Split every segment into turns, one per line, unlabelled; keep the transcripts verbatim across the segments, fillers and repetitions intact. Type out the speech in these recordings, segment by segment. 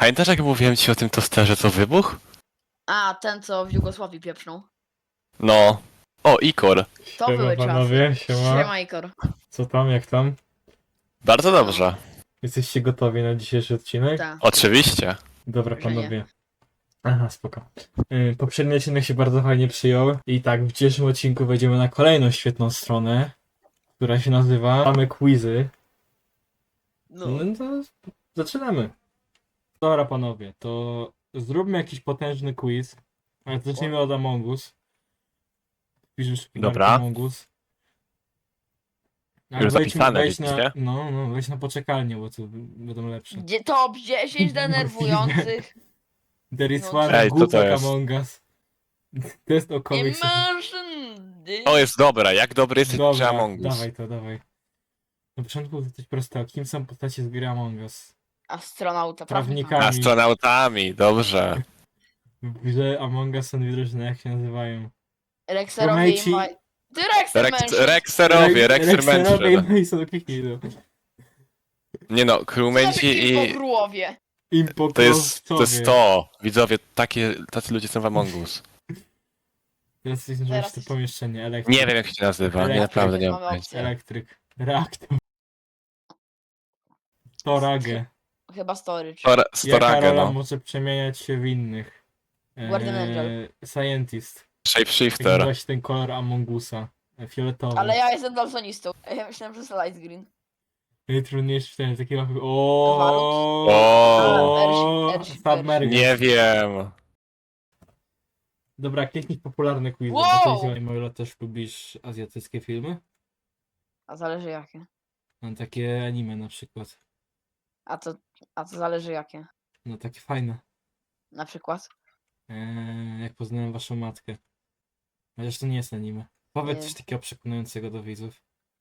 Pamiętasz, jak mówiłem ci o tym tosterze, co wybuchł?
A, ten co w Jugosławii pieprznął.
No. O, Ikor.
To
Siema,
były
panowie,
czasy.
siema.
Siema, Ikor.
Co tam, jak tam?
Bardzo dobrze.
Jesteście gotowi na dzisiejszy odcinek?
Tak.
Oczywiście.
Dobra,
Że nie.
panowie. Aha, spoko. Yy, poprzedni odcinek się bardzo fajnie przyjął. I tak, w dzisiejszym odcinku wejdziemy na kolejną świetną stronę, która się nazywa Mamy Quizy.
No.
No to zaczynamy. Dobra, panowie, to zróbmy jakiś potężny quiz. Ale zacznijmy od Among Us. Piszesz szpigarkę
Dobra.
Among Us. Ale
Już
wejdź-
zapisane,
wejdź na,
widzicie?
no, no, wejdź na poczekalnię, bo to będą lepsze.
Gdzie top dziesięć denerwujących.
There is
No.
one
Ej, co to
głupek
jest?
Among Us. Test o komiks.
Immersion.
O, jest dobra. Jak dobry jesteś przy
Dobra,
Among Us?
dawaj to, dawaj. Na początku to coś prostego. Kim są postacie z gry Among Us?
Astronauta,
Prawnika.
prawnika.
Astronautami, dobrze.
W grze Among Us są dwie drużyny, jak się nazywają?
Rexerowie i
Roommate'i-
Maj... Ty Rexer
Rex,
mężczyzn.
Rexerowie, Rexer
Rexerowie
Mansion.
i są kliknij to.
Nie no,
Co
crewmate'i
i...
i...
Królowie.
To jest, to jest to. Widzowie, takie, tacy ludzie są w Among Us.
Teraz jesteśmy
Teraz
to
jest-
pomieszczenie. Elektryk.
Nie wiem, jak się nazywa. Nie,
Elektryk.
naprawdę nie
Mamy
mam pojęcia.
opcję.
Elektryk. Reaktor. Storage.
Chyba storage.
Stor-
Jaka
Storage,
rola
no.
może przemieniać się w innych?
Guardian Angel.
Eee, Scientist. Jaki
Shapeshifter.
właśnie ten kolor Among Usa? E, Fioletowy.
Ale ja jestem daltonistą. Ja myślałem, że jest light green.
Najtrudniejszy ten taki mapy.
O.
O.
Ersi- Ersi-
Submerged.
Nie wiem.
Dobra, kliknij popularne quizy.
Wow!
Bo ty, Mojlo, też lubisz azjatyckie filmy?
A zależy jakie.
No takie anime na przykład.
A to, a to zależy jakie.
No takie fajne.
Na przykład.
Eee, jak poznałem waszą matkę. Chociaż to nie jest anime. Powiedz
Nie.
coś takiego przekonującego do widzów.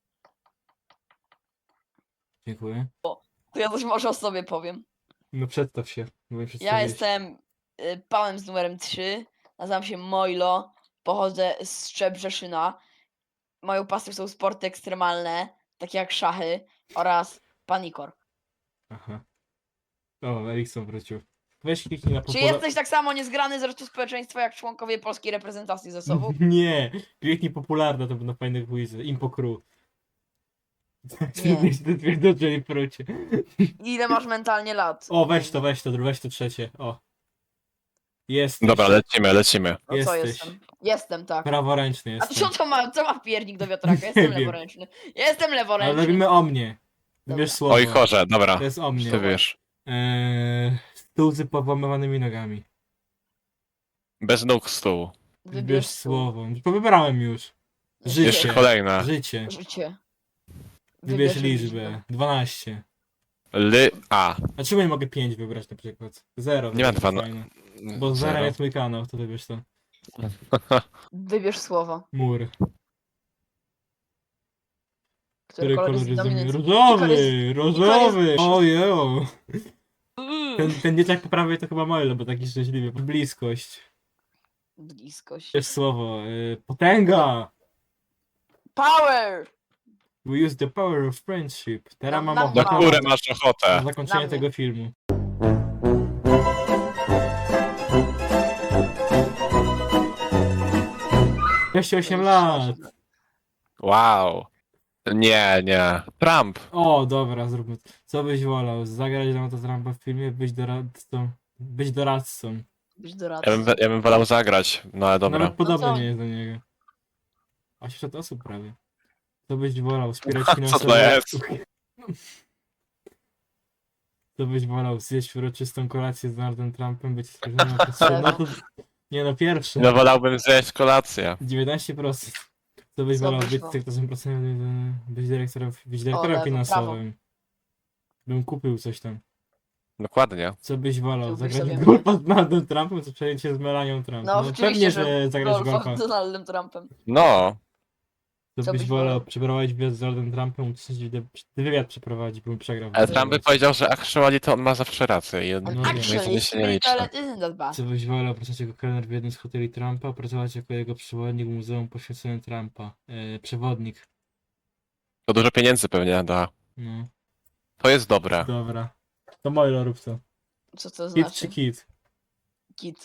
Dziękuję.
To ja coś może o sobie powiem.
No przedstaw się. Bo mi
Ja
przedstawiłeś.
jestem y, panem z numerem trzy. Nazywam się Mojlo. Pochodzę z Szczebrzeszyna. Moją pasją są sporty ekstremalne, takie jak szachy oraz panikor.
Aha. O, Erikson wrócił. Weź kliknij na
Czy
popularne...
jesteś tak samo niezgrany z resztą społeczeństwa jak członkowie polskiej reprezentacji ze sobą?
Nie! Kliknij popularne, to będą fajne quizy. Impo Crew. Trudniej się dowiedzieli w procie.
Ile masz mentalnie lat?
O, weź to, weź to, weź to trzecie. O. Jesteś.
Dobra, lecimy, lecimy.
No co
jesteś.
jestem? Jestem, tak.
Praworęczny
A to
jestem.
co to ma, co ma wpiernik do wiatraka? Jestem
wiem.
leworęczny. Jestem
Ale
leworęczny.
robimy o mnie.
Dobra.
Wybierz słowo.
Oj, chorze, dobra.
To jest o mnie.
Ty wiesz.
Eee, stół z powłamywanymi nogami.
Bez nóg stół.
Wybierz słowo. Wybrałem już. Życie.
Jeszcze kolejne.
Życie.
Życie.
Wybierz liczbę. dwanaście.
Ly... A.
A czemu nie mogę pięć wybrać na przykład? zero.
Nie ma dwa...
Fajne. Bo zero
Zero.
jest mój kanał, to wybierz to.
Wybierz słowo.
Mur.
Który
Który
kolor
kolor
jest
jest
dominujący?
Różowy! Różowy!
jest-
Ojeju!
Uuu,
Ten, ten dzieciak po prawej to chyba Moyle, bo taki szczęśliwy. Bliskość.
Bliskość.
Wiesz słowo. Y, potęga!
Power!
We use the power of friendship. Teraz
Na-
mam
na-
Na
ochotę
które masz
na
ochotę?
zakończenie
Na mnie.
tego filmu. Jeszcze osiem lat!
Wow. Nie, nie. Trump.
O, dobra, zróbmy to. Co byś wolał? Zagrać na to Trumpa w filmie? Być doradcą? Być doradcą.
Być doradcą.
Ja bym, ja bym wolał zagrać, no ale dobra.
Nawet podobny
No co?
nie jest do niego. osiemset osób prawie. Co byś wolał? Wspierać
Co
finansowo...
to jest?
Co byś wolał? Zjeść uroczystą kolację z Donaldem Trumpem? Być oskarżonym o postrzelenie? No to... Nie no, pierwszy.
No wolałbym zjeść kolację.
dziewiętnaście procent. Co byś
Co
wolał?
byś
Być
wolał?
sekretarem procesowym? Być dyrektorem, być dyrektorem
lewo,
finansowym. Bym kupił coś tam.
Dokładnie.
Co byś wolał?
Kupiłbyś
Zagrać
sobie
w golfa z Donaldem Trumpem, czy przejąć się z Melanią Trump?
No, oczywiście,
pewnie,
że
że zagrać w
Golfa
golfa.
z Donaldem Trumpem.
No.
Co
Co
byś
byś
wolał?
wolał?
Przeprowadzić wywiad z Donaldem Trumpem, uczestniczyć w wy- wywiad przeprowadzić, bym przegrał.
Ale
wywiad.
Trump by powiedział, że actually to on ma zawsze rację i
No
no,
wiem.
moje zdanie
Actually,
się nie liczy.
ale isn't that bad?
Co byś wolał? Pracować jako kelner w jednym z hoteli Trumpa, pracować jako jego przewodnik w muzeum poświęconym Trumpa. E, przewodnik.
To dużo pieniędzy pewnie da.
No,
To jest dobre.
dobra. To Mojlo, rób to.
Co to
Kit
znaczy?
czy kit?
Kit.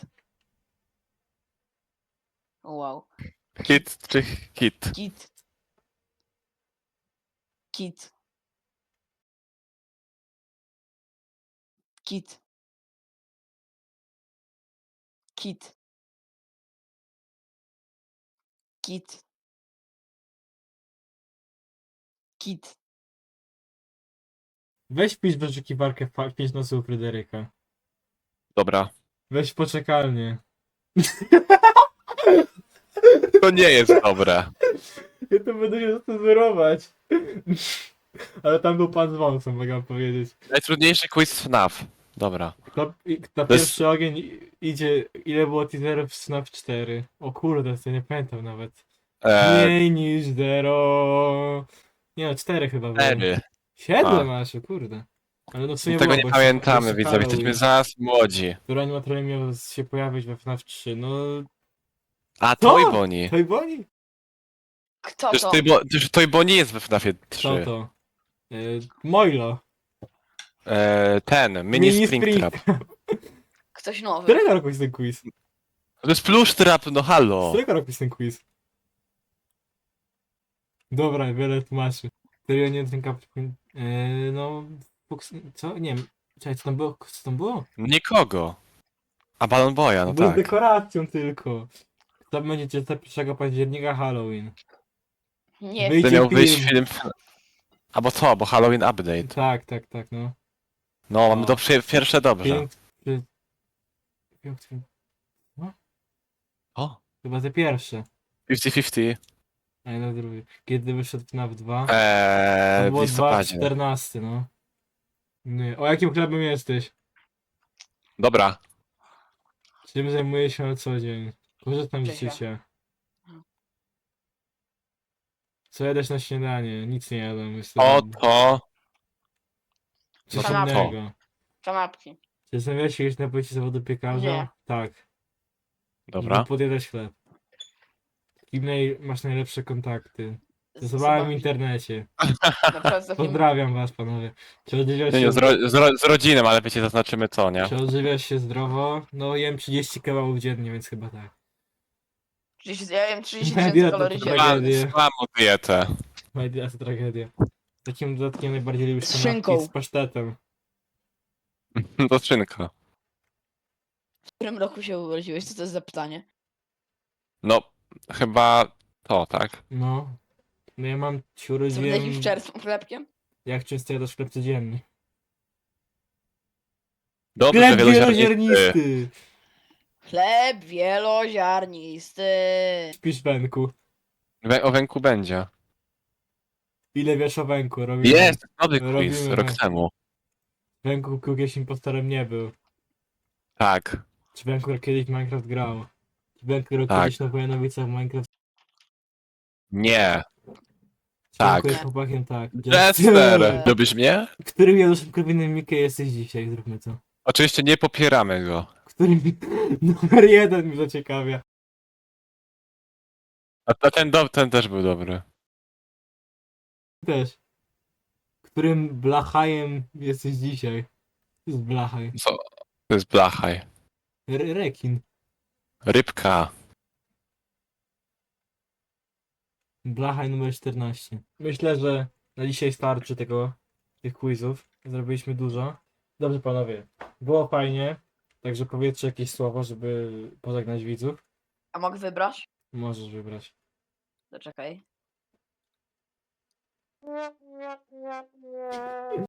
O, wow.
Hit czy hit?
Kit. Kit. Kit. Kit. Kit. Kit.
Weź wpisz w wyszukiwarkę fa- pięć nocy u Fryderyka.
Dobra.
Weź poczekalnie.
To nie jest dobre.
Ja to będę się cenzurować. Ale tam był pan z wąsem, mogę wam powiedzieć.
Najtrudniejszy quiz F NAF. Dobra.
Kto, i- na
To jest-
pierwszy ogień i- idzie, ile było teaserów w snaf cztery? O kurde, to nie pamiętam nawet.
Eee,
Mniej niż zero. Nie no, cztery chyba było.
cztery.
Siedem
A.
aż, o kurde. Ale no w sumie
Tego
było,
nie
bo
pamiętamy,
jeszcze
widzowie. Jesteśmy
Halloween,
zaraz młodzi.
który animatorem miał się pojawić we FNAF trzy. No,
A
Co?
Toy Bonnie.
to i boni?
Kto
Przecież
to?
Toy, Bo- przecież Toy Bonnie jest we FNAFie
Co
trzy.
to? Y, Moilo.
Eee, ten, Mini,
Mini
Springtrap.
Ktoś nowy.
Którego roku jest ten quiz?
To jest Plush Trap, no
Z
halo.
którego roku jest ten quiz? Dobra, wiele tłumaczy. Serio nie ten kap... Yy, no... Fox- Co? Nie wiem. Czekaj, co tam było? Co tam było?
Nikogo. A Balon Boya, no
To było z
tak.
dekoracją tylko. To będzie pierwszego października Halloween.
Nie
Wyjdzie
To miał wyjść
film.
film... F- Albo co, bo Halloween Update.
Tak, tak, tak, no.
No, mamy
O.
do przy- pierwsze dobrze.
Film... Film... film-
O,
Chyba te pierwsze.
pięćdziesiąt pięćdziesiąt.
A ja na drugie. Kiedy wyszedł FNAF dwa? To
Eee, w
było
listopadzie.
dwa czternaście, no. Nie. O jakim chlebem jesteś?
Dobra.
Czym zajmuję się na co dzień? Korzystam z
Cześć, ja.
życia. Co jadać na śniadanie? Nic nie jadam. Jestem...
O to...
Coś
no to
innego.
Kanapki.
Czy zastanawiałeś się kiedyś na pojęcie zawodu piekarza?
Nie.
Tak.
Dobra.
Żeby podjadać chleb. Kim naj... masz najlepsze kontakty?
Z
Stosowałem w
osobami-
internecie.
Na przykład z takim...
Pozdrawiam was, panowie. Czy odżywiasz
Nie,
się,
nie, z, ro, z, ro, z rodziną, ale wiecie, zaznaczymy co, nie?
czy odżywiasz się zdrowo? No jem trzydzieści kebabów dziennie, więc chyba tak.
trzydzieści Ja jem trzydzieści
Moja
tysięcy
dieta
kalorii
to
dziennie.
tragedia.
Mam dietę.
Moja dieta to tragedia. Takim dodatkiem najbardziej lubię
Z
kanapki
szynką.
z pasztetem.
To szynka.
W którym roku się urodziłeś? Co to jest za pytanie?
No, chyba to, tak?
No. No ja mam się
Co
urodziłem...
jakimś czerwcą chlebkiem?
Jak często jadasz chleb codziennie?
Dobrze,
Chleb
wieloziarnisty.
wieloziarnisty!
Chleb wieloziarnisty.
Śpisz węku.
Wę- O węku będzie.
Ile wiesz o węku? Robimy.
Jest! Nowy quiz,
Robimy
rok
węk.
temu.
Węku kiedyś impostorem nie był.
Tak.
Czy Węku kiedyś w Minecraft grał? Czy Węku
Tak.
kiedyś na Wojanowicach w Minecraft?
Nie.
Czy
Tak.
Węku jest chłopakiem? Tak.
Jester! Lubisz mnie?
Którym Januszem Korwinem-Mikke jesteś dzisiaj? Zróbmy to.
Oczywiście nie popieramy go.
Którym... Numer jeden mnie zaciekawia.
A a ten, do, ten też był dobry.
Też. Którym Blachajem jesteś dzisiaj? To jest Blachaj.
Co? To jest Blachaj.
Re rekin.
Rybka.
Blachaj numer czternaście. Myślę, że na dzisiaj starczy tego, tych quizów. Zrobiliśmy dużo. Dobrze panowie, było fajnie. Także powiedzcie jakieś słowo, żeby pożegnać widzów.
A mogę wybrać?
Możesz wybrać.
Zaczekaj.